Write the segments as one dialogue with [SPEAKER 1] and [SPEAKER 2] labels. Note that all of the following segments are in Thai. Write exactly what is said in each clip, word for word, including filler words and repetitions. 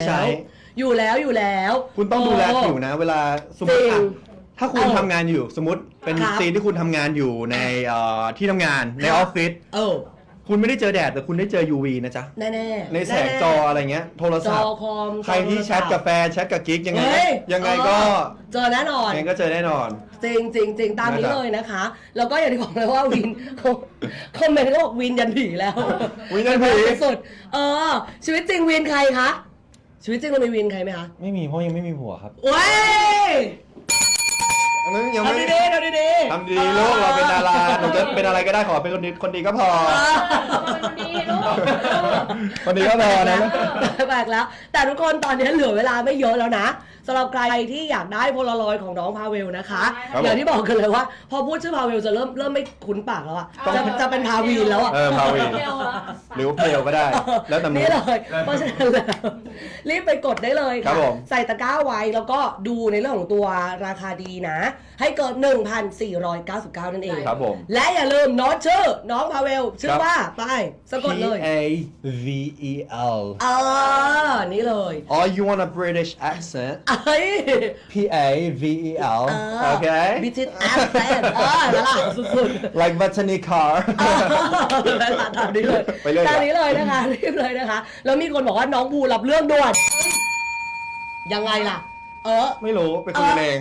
[SPEAKER 1] ใช่
[SPEAKER 2] อยู่แล้วอยู่แล้ว
[SPEAKER 1] คุณต้องดูแลผิวนะเวลาสมมติถ้าคุณทำงานอยู่สมมติเป็นซีนที่คุณทำงานอยู่ในที่ทำงานในออฟฟิศคุณไม่ได้เจอแดดแต่คุณได้เจอ ยู วี นะจ๊ะ
[SPEAKER 2] แน่ๆ
[SPEAKER 1] ในแสงจออะไรเงี้ยโทรศัพท์ใครที่แชทกับแฟนแชทกับกิ๊กยังไงยังไงก็
[SPEAKER 2] เจอแน่นอน
[SPEAKER 1] ยังไงก็เจอแน่นอน
[SPEAKER 2] จริงจริงจริงตามนี้เลยนะคะแล้วก็อย่างที่บอกเลยว่าวินคอมเมนต์ก็บอกวินยันผีแล้ว
[SPEAKER 1] วินยันผี
[SPEAKER 2] สุดเออชีวิตจริงวินใครคะชีวิตจริงเรามีวินใครไหมคะ
[SPEAKER 1] ไม่มีเพราะยังไม่มีผัวครับ
[SPEAKER 2] เว้ย
[SPEAKER 1] ยังไม่
[SPEAKER 2] ทำดีๆทำดี
[SPEAKER 1] ๆทำดีลูกเราเป็นดาราหนูจะเป็นอะไรก็ได้ขอเป็นคนดีคนดีก็พอ
[SPEAKER 3] คนดีลูก
[SPEAKER 1] คนดีก็พอนะ
[SPEAKER 2] แปลกแล้วแต่ทุกคนตอนนี้เหลือเวลาไม่เยอะแล้วนะสำหรับใครที่อยากได้โพลารอยด์ของน้องพาเวลนะคะอย่างที่บอกกันเลยว่าพอพูดชื่อพาเวลจะเริ่มเริ่มไม่คุ้นปากแล้วอ่ะจะจะเป็นพาวีนแล้วอ่ะ
[SPEAKER 1] เออพาวีนหรือว่าเพลก็ได้แล้วแต่
[SPEAKER 2] นี่เลยเพราะฉะนั้นแล้วรีบไปกดได้เลยค่ะใส่ตะกร้าไว้แล้วก็ดูในเรื่องของตัวราคาดีนะให้เกิน หนึ่งพันสี่ร้อยเก้าสิบเก้า นั่นเอง
[SPEAKER 1] ครับผม
[SPEAKER 2] และอย่าลืมโน้ตชื่อน้องพาเวลชื่อว่าไปสะกดเลย
[SPEAKER 1] P A V E L
[SPEAKER 2] เออนี่เลย
[SPEAKER 1] Oh you want a British accent P A V E L okay
[SPEAKER 2] British accent เออแล้วล่ะสุดๆ
[SPEAKER 1] like Bethany Carr
[SPEAKER 2] แล้วล่ะตามนี้เลยตามนี้เลยนะคะรีบเลยนะคะแล้วมีคนบอกว่าน้องภูรับเรื่องด่วนยังไงล่ะเออ
[SPEAKER 1] ไม่รู้ไปคุยเอง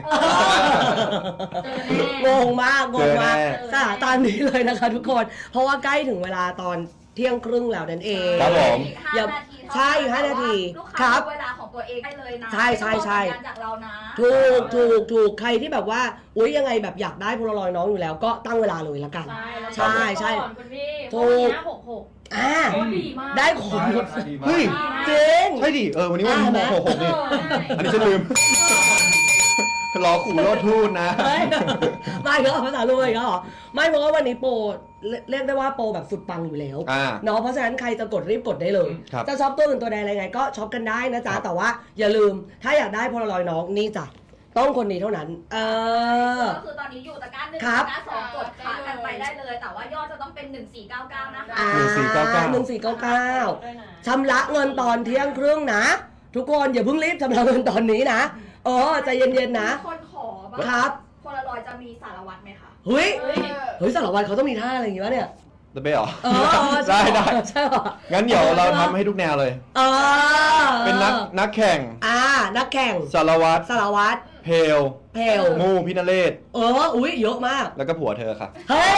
[SPEAKER 2] งงมากงงมากค่ะตามนี้เลยนะคะทุกคนเพราะว่าใกล้ถึงเวลาตอนเที่ยงครึ่งแล้วนั่นเอง
[SPEAKER 1] ครับผม
[SPEAKER 2] อย่าใช่ห้านาที
[SPEAKER 3] ครับเวลาของตัวเองได้เลยนะ
[SPEAKER 2] ใช่ใช่ใช่
[SPEAKER 3] จากเรานะ
[SPEAKER 2] ถูกถูกถูกใครที่แบบว่าอุ้ยยังไงแบบอยากได้โพลารอยด์น้องอยู่แล้วก็ตั้งเวลาเลยละกัน
[SPEAKER 3] ใช่ใช่ถูกหกหก
[SPEAKER 2] อ่าได้ขนหมด
[SPEAKER 1] เฮ้ย
[SPEAKER 2] จริง
[SPEAKER 1] ใช่ดิเออวันนี้วันที่หกหกนี่อันนี้ฉันลืมรอขู่รอทูดนะ
[SPEAKER 2] ไม่ก็ภาษาลูกเลยก็หรอไม่เพราะว่าวันนี้โปรเรียกได้ว่าโปรแบบสุดปังอยู่แล้วเนาะเพราะฉะนั้นใครจะกดรีบกดได้เลยจะช็อปตัวอื่นตัวใดอะไรไงก็ช็อปกันได้นะจ๊ะแต่ว่าอย่าลืมถ้าอยากได้โพลารอยด์น้องนี่จ้ะต้องคนนี้เท่านั้นเออ
[SPEAKER 3] ก็คือตอนนี้อยู่ตะกร้าหนึ่งตะกร้าสองกดขากันไปได้เลยแต่ว่ายอดจะต้องเป็นหนึ่งสี่เก้าเก้านะคะ
[SPEAKER 2] หนึ่งสี่เก้าเก้าหนึ่งสี่เก้าเก้าชำระเงินตอนเที่ยงครึ่งนะทุกคนอย่าเพิ่งรีบชำระเงินตอนนี้นะเออใจเย็นๆนะ
[SPEAKER 3] คนขอ
[SPEAKER 2] ครับ
[SPEAKER 3] โพลารอยด์จะมีสารวัตรไหมคะ
[SPEAKER 2] เฮ้ยเฮ้ยสารวัตรเขาต้องมีท่าอะไรอย่างงี้วะเนี่ย
[SPEAKER 1] จะไปหรอ
[SPEAKER 2] ได้
[SPEAKER 1] ได้
[SPEAKER 2] ใช่หรอ
[SPEAKER 1] งั้นเดี๋ยวเราทำให้ทุกแนวเลย
[SPEAKER 2] เออ
[SPEAKER 1] เป็นนักนักแข่ง
[SPEAKER 2] อ่านักแข่ง
[SPEAKER 1] สารวัตร
[SPEAKER 2] สารวัตร
[SPEAKER 1] เพล
[SPEAKER 2] เพล
[SPEAKER 1] งูพินเรศ
[SPEAKER 2] เอออุ้ยเยอะมาก
[SPEAKER 1] แล้วก็ผัวเธอค่ะ
[SPEAKER 2] เฮ้ย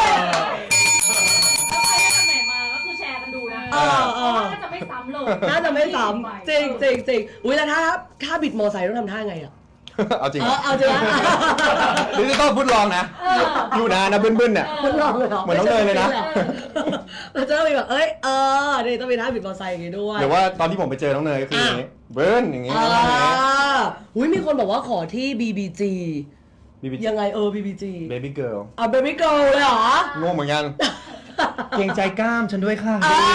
[SPEAKER 3] เออเออน่าจะไม่ซ้ำเลย
[SPEAKER 2] น่าจะไม่ซ้ำจริงจริงจริงอุ้ยแล้วถ้าถ้าบิดมอไซค์ต้องทำท่าไงอ่ะ
[SPEAKER 1] เอาจริง
[SPEAKER 2] เอาจริงนะ
[SPEAKER 1] นี่จะต้องพูดลองนะอยู่นะนะบึ้นๆเนี่ย
[SPEAKER 2] พูดลองเลยเหรอ
[SPEAKER 1] เหมือนน้องเนยเลยนะ
[SPEAKER 2] เราจะต้องมีแบบเอ้ยเออนี่ต้องมีท่าบิดมอไซค์อย่างงี้ด้วย
[SPEAKER 1] เดี๋ยวว่าตอนที่ผมไปเจอน้องเนยก็คืออย่างงี้เบิ้ลอย่างงี้
[SPEAKER 2] อุ้ยมีคนบอกว่าขอที่ บี บี จี ยังไงเออ บี บี จี
[SPEAKER 1] Baby Girl
[SPEAKER 2] อ่ะ Baby Girl เลยเหรอง
[SPEAKER 1] งเหมือนกันเกรงใจกล้ามฉันด้วยค่ะ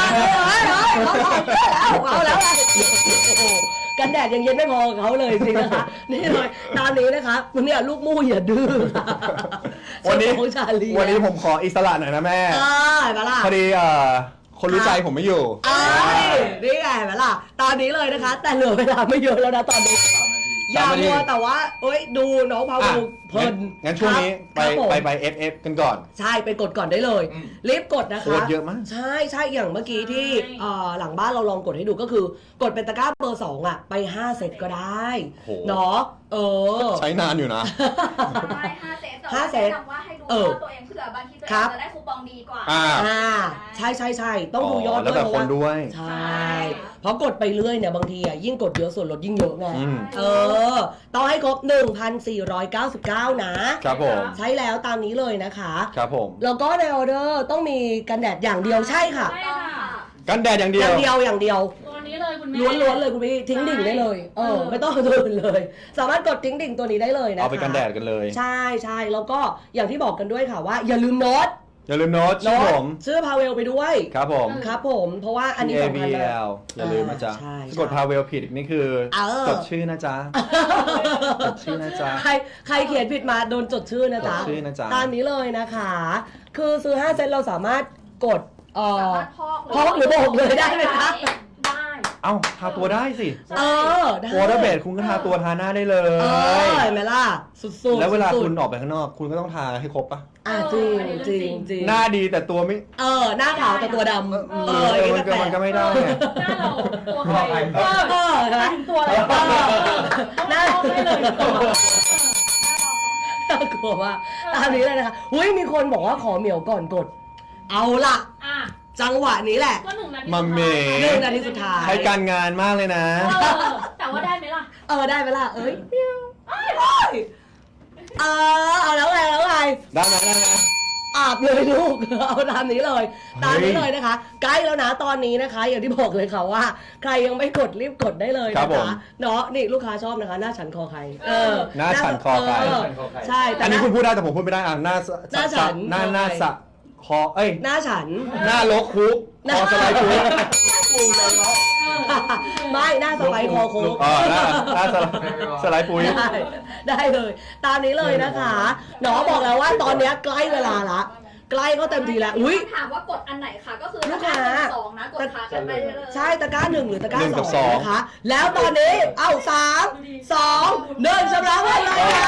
[SPEAKER 2] เอาแล้วกันแดดยังเย็นไม่พอเขาเลยจริงนะคะนี่เลยตอนนี้นะคะวันนี้ลูกมู่อย่าดื้อ
[SPEAKER 1] วันนี้วันนี้ผมขออิสระหน่อยนะแม่พอดีคนรู้ใจผมไม่อยู่
[SPEAKER 2] นี่ไงไหมล่ะตอนนี้เลยนะคะแต่เหลือเวลาไม่เยอะแล้วนะตอนนี้อย่ามัวแต่ว่าเอ้ยดูน้องพาวูเพลิน
[SPEAKER 1] งั้นช่วงนี้ไปไปไป เอฟ เอฟ กันก่อน
[SPEAKER 2] ใช่ไปกดก่อนได้เลยรีบกดนะคะ
[SPEAKER 1] โคตรเยอะมาก
[SPEAKER 2] ใช่ใช่อย่างเมื่อกี้ที่หลังบ้านเราลองกดให้ดูก็คือกดเป็นตะกร้าเบอร์สองอ่ะไปห้าเซตก็ได้เนาะเออ
[SPEAKER 1] ใช้นานอยู่นะ
[SPEAKER 3] ไม่ห้าเซตห้าเซตว่าให้ดูว่าตัวเองเผื่อบางทีตัวเองจะได้คูปองดีกว่า
[SPEAKER 1] อ่า
[SPEAKER 2] ใช่ใช่ใช่ต้องดูยอด
[SPEAKER 1] ด้วยเพราะว่า
[SPEAKER 2] ใช่เพราะกดไปเรื่อยเนี่ยบางทีอ่ะยิ่งกดเยอะส่วนลดยิ่งเยอะไงเออต้องให้ครบ หนึ่งพันสี่ร้อยเก้าสิบเก้า นะครับ
[SPEAKER 1] ผม
[SPEAKER 2] ใช้แล้วตามนี้เลยนะคะ
[SPEAKER 1] ครับผม
[SPEAKER 2] แล้วก็ในออเดอร์ต้องมีกันแดดอย่างเดียวใช่ค่ะ
[SPEAKER 1] กันแดดอย่างเดียว
[SPEAKER 2] อย่างเดียวอย่างเดียว
[SPEAKER 3] ตัวนี้เลยคุณแม่
[SPEAKER 2] ล้วนๆเลยคุณพี่ทิ้งดิ่งได้เลยเออไม่ต้องตัวอื่นเลยสามารถกดทิ้งดิ่งตัวนี้ได้เลยนะคะ
[SPEAKER 1] เอาไปกันแดดกันเลย
[SPEAKER 2] ใช่ใช่แล้วก็อย่างที่บอกกันด้วยค่ะว่าอย่าลืมโน้ต
[SPEAKER 1] อย่าลืมโน้ตชื่อผม
[SPEAKER 2] ชื่อพาเวลไปด้วย
[SPEAKER 1] ครับผม
[SPEAKER 2] ครับผมเพราะว่าอันนี้
[SPEAKER 1] สำคัญมากอย่าลืมนะจ๊ะถ้ากดพาเวลผิดนี่คือจดชื่อนะจ๊ะจดชื่อนะจ๊ะ
[SPEAKER 2] ใครใครเขียนผิดมาโดนจดชื่อนะจ๊ะตามนี้เลยนะคะคือซื้อห้าเซตเราสามารถกดเอ่อพอกหรือโบกเลยได้ไหมคะ
[SPEAKER 3] ได้
[SPEAKER 1] เอ้าทาตัวได้สิ
[SPEAKER 2] เออได้
[SPEAKER 1] วอเตอร์เบสคุณก็ทาตัวทาหน้าได้เล
[SPEAKER 2] เออย เห็นไหมล่ะสุดๆ
[SPEAKER 1] แล้วเวลา
[SPEAKER 2] สุดๆ
[SPEAKER 1] คุณออกไปข้างนอก คุณก็ต้องทาให้ครบปะ
[SPEAKER 2] อ่ะจริงจริงจริง
[SPEAKER 1] หน้าดีแต่ตัวไม่
[SPEAKER 2] เออหน้าขาวแต่ตัวดำ
[SPEAKER 1] เอ
[SPEAKER 2] เอ
[SPEAKER 1] อ
[SPEAKER 2] ออย่าง
[SPEAKER 1] มัน
[SPEAKER 2] นี้
[SPEAKER 1] ก็
[SPEAKER 2] แปล
[SPEAKER 1] มันก็
[SPEAKER 2] ก
[SPEAKER 1] ไม่ได้ไง
[SPEAKER 3] หน้าเราตัวใคร
[SPEAKER 2] เออเออเห็นไหม
[SPEAKER 3] ถึงตัวอะไร
[SPEAKER 2] เออหน้า
[SPEAKER 3] ได้เลยตัว
[SPEAKER 2] น่ากลัวมากตามนี้เลยนะคะอุ้ยมีคนบอกว่าขอเหมียวก่อนกด เอาล่ะ
[SPEAKER 3] อ่ะ
[SPEAKER 2] จังหวะนี้แหละ
[SPEAKER 3] ก็หนึ่งนาที
[SPEAKER 1] มัมเม
[SPEAKER 2] หนึ่งนาทีสุดท้าย
[SPEAKER 1] ใช้การงานมากเลยนะ
[SPEAKER 3] เออแต่ว่าได้ไหมล่ะ
[SPEAKER 2] เออได้ไหมล่ะเอ้ยเมียวเออเอาแล้วไงแล้วไง
[SPEAKER 1] ได้ไหมได้ไหม
[SPEAKER 2] อาบเลยลูก เอาตามนี้เลย ตามนี้เลยนะคะ ใกล้แล้วนะตอนนี้นะคะ อย่างที่บอกเลยค่ะว่า ใครยังไม่กดรีบกดได้เลย
[SPEAKER 1] ครั
[SPEAKER 2] นะ
[SPEAKER 1] บผม
[SPEAKER 2] คะเนาะนี่ลูกค้าชอบนะคะ หน้าฉันคอใครเออ
[SPEAKER 1] หน้าฉันคอใคร
[SPEAKER 2] เใช่แต่
[SPEAKER 1] อันนี้
[SPEAKER 2] หา
[SPEAKER 1] คุณพูดได้แต่ผมพูดไม่ได้อ่ะหน้า
[SPEAKER 2] หน้าฉัน
[SPEAKER 1] หน้าหน้าสะคอเอ้ย
[SPEAKER 2] หน้าฉัน
[SPEAKER 1] หน้าลกคุกคอสไลด์คุก
[SPEAKER 2] ไม่หน้าสไปร์คอโค้ง
[SPEAKER 1] อ๋อหน้าหน้าสไลด์สไลด์ปุ้ย
[SPEAKER 2] ได้ได้เลย ตามนี้เลยนะคะหนอบอกแล้วว่าตอนเนี้ยใกล้เวลาละใกล้ก็เต็มทีแล้วอุ้ย
[SPEAKER 3] ถามว่ากดอันไหนคะก็คือ
[SPEAKER 2] ลูกค้า
[SPEAKER 3] สองนะกดขากันไปเลย
[SPEAKER 2] ใช่ตะกร้าหนึ่งหรือตะกร้า
[SPEAKER 1] หนึ่งกับ
[SPEAKER 2] ส
[SPEAKER 1] ส
[SPEAKER 2] อ
[SPEAKER 1] อง ง
[SPEAKER 2] นะคะ แล้วตอนนี้เอ้าสามสองหนึ่งชำระเงินเลยค่ะ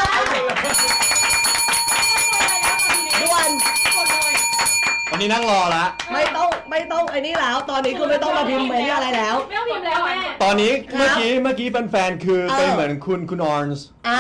[SPEAKER 2] ด่วน
[SPEAKER 3] กดเลย
[SPEAKER 1] วันนี้นั่งรอละ
[SPEAKER 2] ไม่ต้องไม่ต้องไอ้นี่แล้ว ตอนนี้คือไม่ต้องมาพิมพ์ไปอะไรแล้ว
[SPEAKER 3] ไม่ต้องพิมพ์แล้วแม่
[SPEAKER 1] ตอนนี้
[SPEAKER 2] ครับ
[SPEAKER 1] เมื่อกี้เมื่อกี้แฟนๆคือ
[SPEAKER 2] เออ
[SPEAKER 1] เป็นเหมือนคุณคุณออนส์
[SPEAKER 2] อ่า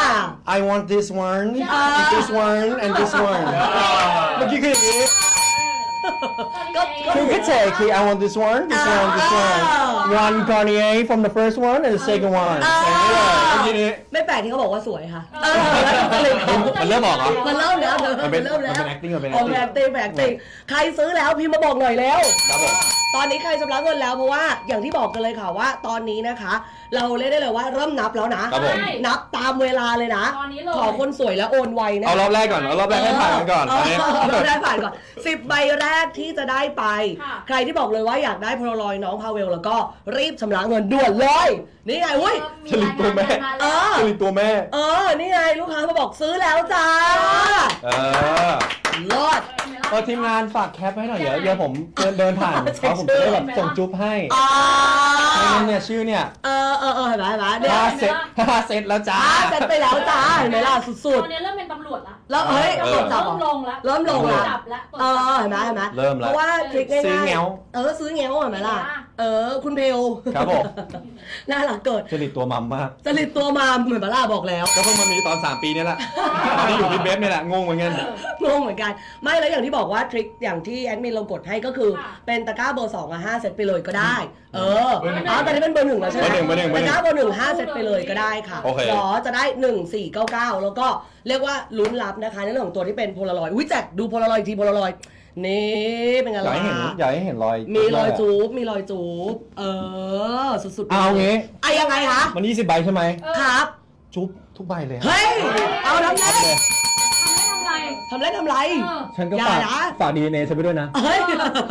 [SPEAKER 1] I want this one
[SPEAKER 2] อ่า
[SPEAKER 1] this one and this one เมื่อกี้คืออย่างนี้
[SPEAKER 2] ก็ก็
[SPEAKER 1] คือคิดเฉยคือ I want this one this one this one
[SPEAKER 2] อ่า
[SPEAKER 1] one Garnier from the first one and the second one
[SPEAKER 2] อ่า
[SPEAKER 1] อย่างนี้เลยเมื่อกี้นี้
[SPEAKER 2] ไม่แปลกที่เขาบอกว่าสวยค่ะเออแล้วก็เลย
[SPEAKER 1] มันเริ่มออกเหรอ
[SPEAKER 2] มันเริ่มแล้ว
[SPEAKER 1] มันเป็น
[SPEAKER 2] เริ่มแล้ว
[SPEAKER 1] มันเป็น acting มันเป็น
[SPEAKER 2] ออก
[SPEAKER 1] acting
[SPEAKER 2] แบบเต็มแบบเต็มใครซื้อแล้วพิมพ์มาบอกหน่อยแล้ว
[SPEAKER 1] ครับผม
[SPEAKER 2] ตอนนี้ใครชำระเงินแล้วเพราะว่าอย่างที่บอกกันเลยค่ะว่าตอนนี้นะคะ เราเรียกได้เลยว่าเริ่มนับแล้วนะครับ
[SPEAKER 1] ผม
[SPEAKER 2] นับตามเวลาเลยนะ
[SPEAKER 3] ตอนนี้เลย
[SPEAKER 2] ขอคนสวยแล้วโอนไวนะ
[SPEAKER 1] เอารอบแรกก่อนเอารอบแรกให้ผ่านกันก่อน
[SPEAKER 2] เอ
[SPEAKER 1] อันนี้
[SPEAKER 2] อเราได้ผ่านก่อนสิบใบแรกที่จะได้ไป
[SPEAKER 3] ค่ะ
[SPEAKER 2] ใครที่บอกเลยว่าอยากได้โพลารอยด์น้องพาเวลแล้วก็รีบชำระเงินด่วนเลยนี่ไงอุ้ย
[SPEAKER 1] ฉลิดตัวแม่
[SPEAKER 2] เออ
[SPEAKER 1] ผลิตตัวแม่
[SPEAKER 2] เออนี่ไงลูกค้ามาบอกซื้อแล้วจ้า
[SPEAKER 1] เออ
[SPEAKER 2] รอด
[SPEAKER 1] เออทีมงานฝากแคปให้หน่อยเดี๋ยวเดี๋ยวผมเดินเดินผ่านเขาผมจะได้แบบส่งจุ๊บให้
[SPEAKER 2] อ่า
[SPEAKER 1] ไม่งั้นเนี่ยชื่อเนี่ย
[SPEAKER 2] เออเออเออเห็นไหมเห็นไหมเนี่ย
[SPEAKER 1] ห้าเซตห้าเซตแล้วจ้า
[SPEAKER 2] อ่าเสร็จไปแล้วจ้าเห็นไหมล่ะสุ
[SPEAKER 3] ต
[SPEAKER 2] ด
[SPEAKER 3] อนนี้เริ่มเป็นตำรวจละ
[SPEAKER 2] ๆ แล้วเฮ้ย
[SPEAKER 1] เออ
[SPEAKER 2] ตรวจจับเหร
[SPEAKER 3] เริ่
[SPEAKER 2] อ
[SPEAKER 3] มลงแล้ว
[SPEAKER 2] เริ่มลงแล้ว
[SPEAKER 3] จับแล้ว
[SPEAKER 2] เออเห็นไหมเห็นไหม
[SPEAKER 1] เริ่ม
[SPEAKER 2] เพ
[SPEAKER 1] แล้ว
[SPEAKER 2] ราะว่าคลิกง่ายๆ
[SPEAKER 1] ซื้อแง้ว
[SPEAKER 2] เออซื้อแง้วเห็นไหมล่ะ เออคุณเพล
[SPEAKER 1] ครับผม
[SPEAKER 2] น่ารักเกิด
[SPEAKER 1] ผลิตตัวมัมมาก
[SPEAKER 2] จริตตัวมาเหมือนบาร่าบอกแล้ว
[SPEAKER 1] ก็เพิ่งมามีตอนสามปีนี่แหละตอนนี้อยู่ที่เบฟนี่แหละงงเหมือนกัน
[SPEAKER 2] งงเหมือนกัน ไม่แล้วอย่างที่บอกว่าทริคอย่างที่แอดมินเรากดให้ก็คือ เป็นตะกร้าเบอร์สองอะห้าเซตไปเลยก็ได้ เออ
[SPEAKER 1] เบอร์หนึ่ง
[SPEAKER 2] อ๋อตอนนี้เป็นเบอร์หนึ่งแล้วใช่ไหม
[SPEAKER 1] เบอร์หนึ่งเบอร์หนึ่ง
[SPEAKER 2] ตะกร้าเบอร์หนึ่งห้าเซตไปเลยก็ได้ค่ะ
[SPEAKER 1] โอเค
[SPEAKER 2] หรอจะได้หนึ่งสี่เก้าเก้าแล้วก็เรียกว่าลุ้นรับนะคะในเรื่องของตัวที่เป็นโพลารอยด์อุ้ยแจกดูโพลารอยด์อีกทีโพลารอยด์นี่เป็นไง
[SPEAKER 1] อยาก
[SPEAKER 2] ล่ะ
[SPEAKER 1] ให้เห็นอยากให้เห็นรอย
[SPEAKER 2] มีรอยจูบมีรอยจูบเออสุดๆ
[SPEAKER 1] เอางี้
[SPEAKER 2] อะยังไงคะ
[SPEAKER 1] มันยี่สิบใบใช่ไหม
[SPEAKER 2] ครับ
[SPEAKER 1] จุ๊บทุกใบเลย
[SPEAKER 2] เฮ้ยเอาทำไร
[SPEAKER 1] เลย
[SPEAKER 3] ทำไม่ทำไร
[SPEAKER 2] ทำไรทำไร
[SPEAKER 3] เออ
[SPEAKER 1] ฉันก็
[SPEAKER 2] อย่า
[SPEAKER 1] ฝาก
[SPEAKER 2] นะ
[SPEAKER 1] ฝากดีเอ็นเอฉันไปด้วยนะ
[SPEAKER 2] เฮ้ย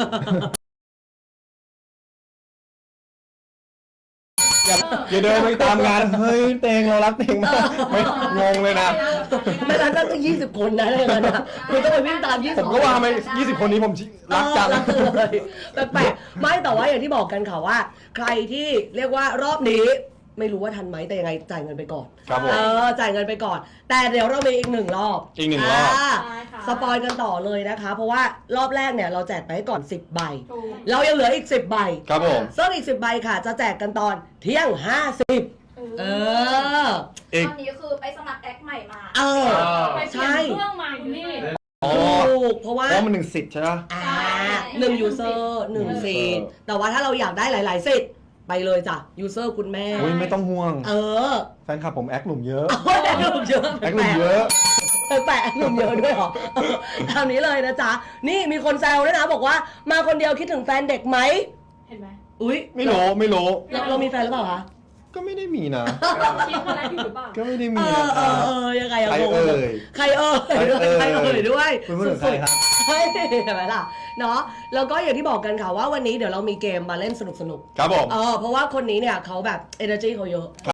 [SPEAKER 1] อย่าอย่าเดินไปตามงาน เฮ้ยเตงเรารักเตงมากไม่งงเลยนะ
[SPEAKER 2] ไม่รักตั้งยี่สิบคนนะเลยนะคุณต้องไปวิ่งตามยี่
[SPEAKER 1] ผ
[SPEAKER 2] สิบ
[SPEAKER 1] มก็ว่าไม่ยี่สิบคนนี้ผมรักจัง
[SPEAKER 2] รักเลยแปลกๆไม่แต่ว่าอย่างที่บอกกันค่ะว่า ใครที่เรียกว่ารอบนี้ ไม่รู้ว่าทันไหมแต่ยังไงจ่ายเงินไปก่อน
[SPEAKER 1] ครับผม
[SPEAKER 2] เออจ่ายเงินไปก่อน แต่เดี๋ยวเรามีอีกหนึ่งรอบ
[SPEAKER 1] อีกหนึ่งรอบ
[SPEAKER 2] า
[SPEAKER 3] ใช่ค่ะ
[SPEAKER 2] สปอยกันต่อเลยนะคะ เพราะว่ารอบแรกเนี่ยเราแจกไปให้ก่อนสิบใบ
[SPEAKER 3] ถูก
[SPEAKER 2] เรายังเหลืออีกสิบใบ
[SPEAKER 1] ครับผม
[SPEAKER 2] ซึ่งอีกสิบใบค่ะ จะแจกกันตอนเที่ยงห้าสิบเออ
[SPEAKER 1] อีก
[SPEAKER 3] ตอนนี้คือไปสมัครแอคใหม่มา
[SPEAKER 2] เออ
[SPEAKER 3] ไปเปลี่ยนเครื่องมาคุณพี่
[SPEAKER 1] อ๋อ
[SPEAKER 2] ถูกเพราะว่า
[SPEAKER 1] เพราะมันหนึ่งสิทธิ์ใช่ไหม
[SPEAKER 2] อ่าหนึ่งยูเซอร์หนึ่งฟีดแต่ว่าถ้าเราอยากได้หลาย ๆ สิทธิ์ไปเลยจ้ะยูเซอร์คุณแม่
[SPEAKER 1] อุ้ยไม่ต้องห่วง
[SPEAKER 2] เออ
[SPEAKER 1] แฟนคลับผมแอคหลุมเยอะ
[SPEAKER 2] โอ้ยแอคหนุ่มเยอะ
[SPEAKER 1] แอคหลุมเยอะ
[SPEAKER 2] แปลกๆแอคหนุ่มเยอะด้วยเหรอเออตามนี้เลยนะจ๊ะ นี่มีคนแซวด้วยนะบอกว่ามาคนเดียวคิดถึงแฟนเด็กไหม
[SPEAKER 3] เห็นไหม
[SPEAKER 2] อุ้ย
[SPEAKER 1] ไม่รู้ไม่รู้
[SPEAKER 2] เราเรามีแฟนหรือเปล่าคะ
[SPEAKER 1] ก็ไม่ได้มีนะ
[SPEAKER 3] คิดมาแล้วอยู่หรือเปล่า
[SPEAKER 1] ก็ไม่ได้
[SPEAKER 2] เอ
[SPEAKER 1] มี
[SPEAKER 2] อ
[SPEAKER 1] นะ
[SPEAKER 2] เอ
[SPEAKER 1] ครั
[SPEAKER 2] อบ เออยังไงอะ
[SPEAKER 1] ใครง
[SPEAKER 2] ง
[SPEAKER 1] เอ่ย
[SPEAKER 2] ใครเอ่ยด้วยใครเอ่ยด้วย
[SPEAKER 1] คุณพูดถึงใครครับ
[SPEAKER 2] เฮ้ยเห็นไหมล่ะเนาะแล้วก็อย่างที่บอกกันค่ะว่าวันนี้เดี๋ยวเรามีเกมมาเล่นสนุกๆ
[SPEAKER 1] ครับผม
[SPEAKER 2] เออเพราะว่าคนนี้เนี่ยเขาแบบ energy เขาเยอะ